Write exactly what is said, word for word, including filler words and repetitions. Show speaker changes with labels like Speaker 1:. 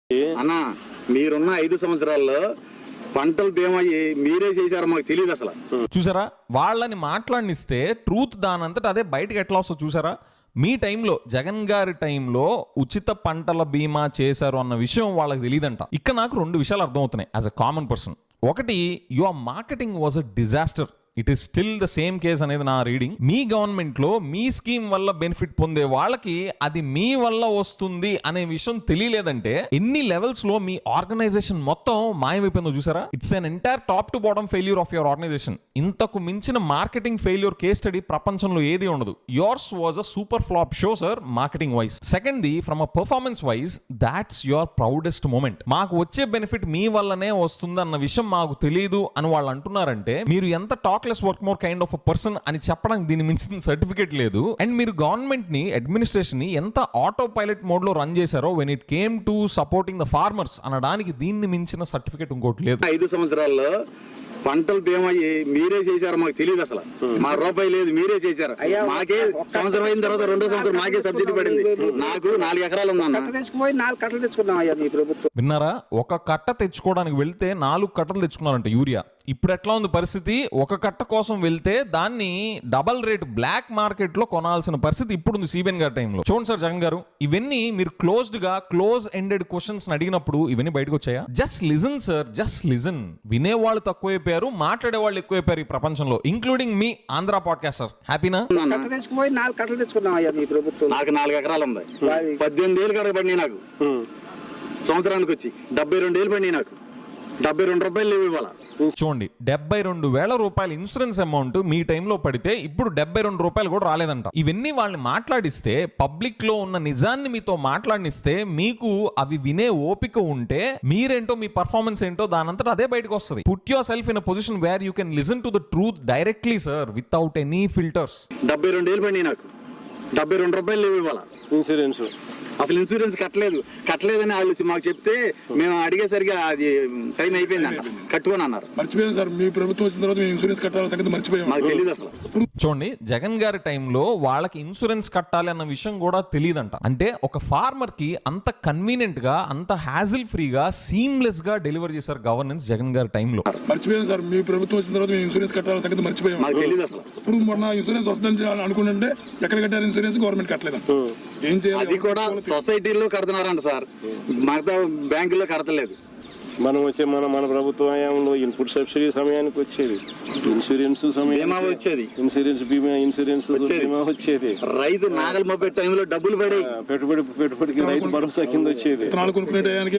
Speaker 1: అన్న మీరున్న ఐదు సంవత్సరాల్లో పంటల బీమా మీరే చేశారో మాకు తెలియదు అసలు.
Speaker 2: చూసారా, వాళ్ళని మాట్లాడినిస్తే ట్రూత్ దానంతట అదే బయటకు ఎట్లా వస్తుందో చూసారా. మీ టైంలో, జగన్ గారి టైంలో ఉచిత పంటల బీమా చేశారు అన్న విషయం వాళ్ళకి తెలియదంట. ఇక్కడ నాకు రెండు విషయాలు అర్థమవుతున్నాయి యాజ్ అ కామన్ పర్సన్. ఒకటి, your marketing was a disaster. It is still the same case అనేది నా రీడింగ్. మీ గవర్నమెంట్ లో మీ స్కీమ్ వల్ల బెనిఫిట్ పొందే వాళ్ళకి అది మీ వల్ల వస్తుంది అనే విషయం తెలియలేదంటే ఎన్ని లెవెల్స్ లో మీ ఆర్గనైజేషన్ మొత్తం మాయమైపోయిందో చూసారా. It's an entire top to bottom failure of your organisation. ఇంతకు మించిన మార్కెటింగ్ ఫెయిల్యూర్ కేస్ స్టడీ ప్రపంచంలో ఏది ఉండదు. Yours was a super flop show sir, marketing wise. Second the, from a performance wise, that's your proudest moment. మాకు వచ్చే benefit మీ వల్లనే వస్తుంది అన్న విషయం మాకు తెలియదు అని వాళ్ళు అంటున్నారంటే మీరు ఎంత talk work more kind of a person అని చెప్పడానికి దీని మించిన సర్టిఫికేట్ లేదు. అండ్ మీరు గవర్నమెంట్ ని, అడ్మినిస్ట్రేషన్ ని ఎంత ఆటో పైలట్ మోడ్ లో రన్ చేశారో when it came to supporting the farmers అనడానికి దీన్ని మించిన సర్టిఫికేట్ ఇంకోటి లేదు.
Speaker 1: ఐదు సంవత్సరాల్లో పంటల బీమా మీరే చేశారో మాకు తెలియదు అసలు. మా రూపాయి లేదు, మీరే చేశారు. మాకే సంవత్సరం అయిన తర్వాత రెండో సంవత్సరం మాకే సబ్సిడీ పడింది. నాకు నాలుగు ఎకరాలు ఉందన్న.
Speaker 2: విన్నారా, ఒక కట్ట తెచ్చుకోవడానికి వెళ్తే నాలుగు కట్టలు తెచ్చుకున్నారంట యూరియా. ఇప్పుడు ఎట్లా ఉంది పరిస్థితి? ఒక కట్ట కోసం వెళ్తే దాన్ని డబల్ రేట్ బ్లాక్ మార్కెట్ లో కొనాల్సిన పరిస్థితి ఇప్పుడు ఉంది సిబిఎన్ గారి టైంలో. చూడండి సార్ జగన్ గారు, ఇవన్నీ మీరు క్లోజ్డ్ గా క్లోజ్ ఎండెడ్ క్వశ్చన్స్ అడిగినప్పుడు ఇవన్నీ బయటకు వచ్చాయా? Just listen sir, just listen. వినేవాళ్ళు తక్కువైపోయారు, మాట్లాడే వాళ్ళు ఎక్కువైపోయారు ఈ ప్రపంచంలో, ఇంక్లూడింగ్ మీ ఆంధ్ర పాడ్కాస్టర్. హ్యాపీనా?
Speaker 1: నాకు నాలుగు ఎకరాలు ఉంది. పద్దెనిమిది ఏళ్ళు కడగబడి నాకు సంవత్సరానికి వచ్చి డెబ్బై రెండు ఏళ్ళు పడి నాకు డెబ్బై రెండు రూపాయలు లేవు ఇవ్వాల.
Speaker 2: చూడండి, డెబ్బై రెండు వేల రూపాయల ఇన్సూరెన్స్ అమౌంట్ మీ టైంలో పడితే ఇప్పుడు డెబ్బై రెండు రూపాయలు కూడా రాలేదంట. ఇవన్నీ వాళ్ళని మాట్లాడిస్తే, పబ్లిక్ లో ఉన్న నిజాన్ని మీతో మాట్లాడిస్తే, మీకు అవి వినే ఓపిక ఉంటే మీరేంటో, మీ పర్ఫార్మెన్స్ ఏంటో దానంతటా అదే బయటకు వస్తుంది. Put yourself in a position where you can listen to the truth directly sir, without any filters.
Speaker 1: డెబ్బై రెండు ఏళ్ళు పడి నాకు డెబ్బై రెండు రూపాయలు లేవు ఇవ్వాల.
Speaker 3: ఇన్సూరెన్స్
Speaker 1: అసలు ఇన్సూరెన్స్ కట్టలేదు కట్టలేదని వాళ్ళు మాకు చెప్తే మేము అడిగేసరికి అది టైం అయిపోయింది అంట, కట్టుకొని అన్నారు.
Speaker 4: మర్చిపోయాం సార్, మీ ప్రభుత్వం వచ్చిన తర్వాత మేము ఇన్సూరెన్స్ కట్టాలని సంగతి మర్చిపోయాం.
Speaker 1: మాకు తెలియదు అసలు.
Speaker 2: చూడండి, జగన్ గారి టైంలో వాళ్ళకి ఇన్సూరెన్స్ కట్టాలి అన్న విషయం కూడా తెలియదంట. అంటే ఒక ఫార్మర్ కి అంత కన్వీనియంట్ గా, అంత హ్యాజిల్ ఫ్రీగా, సీమ్లెస్ గా డెలివర్ చేశారు గవర్నెన్స్ జగన్ గారి టైంలో.
Speaker 4: మర్చిపోయాం సార్, మీ ప్రభుత్వం వచ్చిన తర్వాత మేము ఇన్సూరెన్స్ కట్టాలని సంగతి మర్చిపోయాం.
Speaker 1: మాకు తెలియదు అసలు.
Speaker 4: ఇప్పుడు మొన్న ఇన్సూరెన్స్ వస్తుందని అనుకుంటుంటే ఎక్కడ కట్టారు ఇన్సూరెన్స్? గవర్నమెంట్ కట్టలేదు. ఏం చేయాలి?
Speaker 1: అది కూడా సొసైటీలో కడుతున్నారంట సార్, మిగతా బ్యాంకుల్లో కడతలేదు.
Speaker 3: మనం వచ్చే మన మన ప్రభుత్వ హయాంలో ఇన్పుట్ సబ్సిడీ సమయానికి వచ్చేది, ఇన్సూరెన్స్
Speaker 1: బీమా వచ్చేది,
Speaker 3: ఇన్సూరెన్స్ బీమా ఇన్సూరెన్స్ బీమా వచ్చేది.
Speaker 1: రైతు నాగల్ మొప్పే టైంలో డబ్బులు పడే
Speaker 3: పెట్టుబడి పెట్టుబడికి రైతు భరోసా కింద వచ్చేది.
Speaker 4: కొనుక్కునే